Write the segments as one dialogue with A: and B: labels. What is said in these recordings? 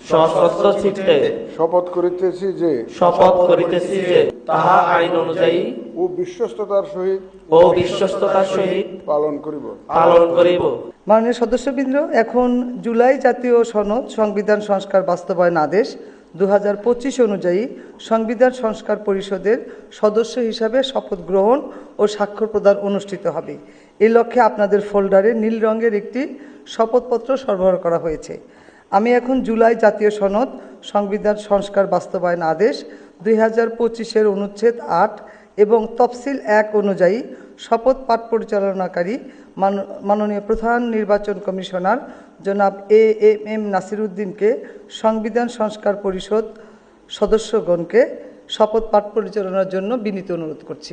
A: সশস্ত্র চিত্তে
B: শপথ করিতেছি যে
A: তাহা আইন অনুযায়ী
B: ও বিশ্বস্ততার সহিত পালন করিব।
C: মাননীয় সদস্যবৃন্দ, এখন জুলাই জাতীয় সনদ সংবিধান সংস্কার বাস্তবায়ন আদেশ 2025 অনুযায়ী সংবিধান সংস্কার পরিষদের সদস্য হিসাবে শপথ গ্রহণ ও স্বাক্ষর প্রদান অনুষ্ঠিত হবে। এই লক্ষ্যে আপনাদের ফোল্ডারে নীল রঙের একটি শপথপত্র সরবরাহ করা হয়েছে। আমি এখন জুলাই জাতীয় সনদ সংবিধান সংস্কার বাস্তবায়ন আদেশ 2025-এর অনুচ্ছেদ 8 এবং তফসিল 1 অনুযায়ী শপথ পাঠ পরিচালনাকারী মাননীয় প্রধান নির্বাচন কমিশনার জনাব এএমএম নাসির উদ্দিনকে সংবিধান সংস্কার পরিষদ সদস্যগণকে শপথ পাঠ পরিচালনার জন্য বিনীত অনুরোধ করছি।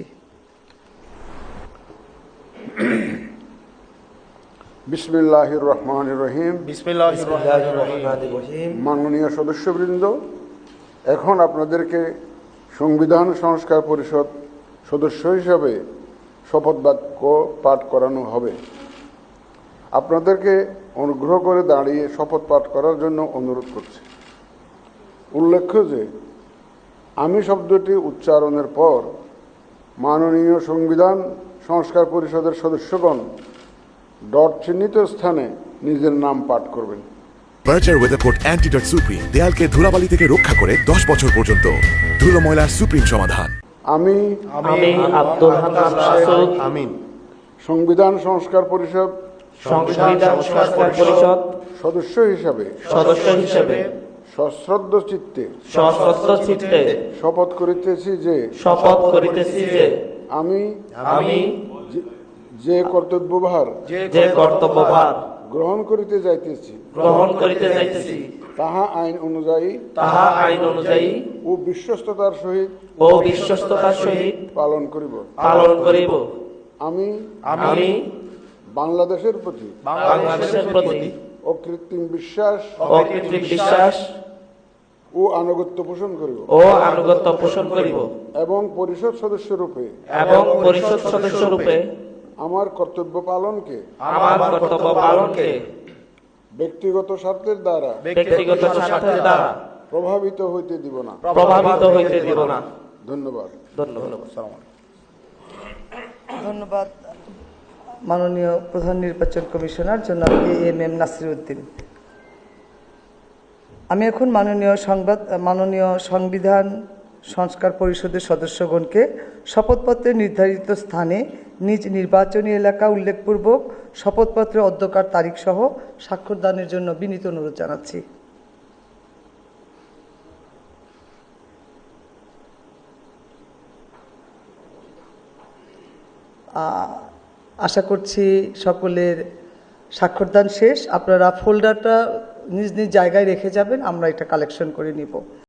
B: বিসমিল্লাহির রহমানির রহিম। মাননীয় সদস্যবৃন্দ, এখন আপনাদেরকে সংবিধান সংস্কার পরিষদ সদস্য হিসাবে শপথ বাক্য পাঠ করানো হবে। আপনাদেরকে অনুগ্রহ করে দাঁড়িয়ে শপথ পাঠ করার জন্য অনুরোধ করছি। উল্লেখ্য যে আমি শব্দটি উচ্চারণের পর মাননীয় সংবিধান সংস্কার পরিষদের সদস্যগণ ডট চিহ্নিত স্থানে নিজের নাম পাঠ করবেন।
D: বার্জার ওয়েদারকোট অ্যান্টিডট সুপ্রিম দেয়ালকে ধুলাবালি থেকে রক্ষা করে 10 বছর পর্যন্ত। ধুলো ময়লার সুপ্রিম সমাধান।
B: আমি
A: আব্দুল হান্নান মাসুদ
B: সংবিধান সংস্কার পরিষদ সদস্য হিসাবে সশ্রদ্ধ চিত্তে শপথ করিতেছি যে আমি যে কর্তব্যভার গ্রহণ করিতে যাইতেছি তাহা আইন অনুযায়ী ও বিশ্বস্ততার সহিত পালন করিব। আমি বাংলাদেশের প্রতি অকৃত্রিম বিশ্বাস ও আনুগত্য পোষণ করিব এবং পরিষদ সদস্য রূপে আমার কর্তব্য পালনকে ব্যক্তিগত স্বার্থের দ্বারা প্রভাবিত হইতে দিব না। ধন্যবাদ।
C: ধন্যবাদ মাননীয় প্রধান নির্বাচন কমিশনার জনাব এএমএম নাসির উদ্দিন। আমি এখন মাননীয় সংবিধান সংস্কার পরিষদের সদস্যগণকে শপথপত্রে নির্ধারিত স্থানে নিজ নির্বাচনী এলাকা উল্লেখপূর্বক শপথপত্রের অধ্যকার তারিখ সহ স্বাক্ষরদানের জন্য বিনীত অনুরোধ জানাচ্ছি। আশা করছি সকলের স্বাক্ষরদান শেষ। আপনারা ফোল্ডারটা নিজ নিজ জায়গায় রেখে যাবেন, আমরা এটা কালেকশন করে নিব।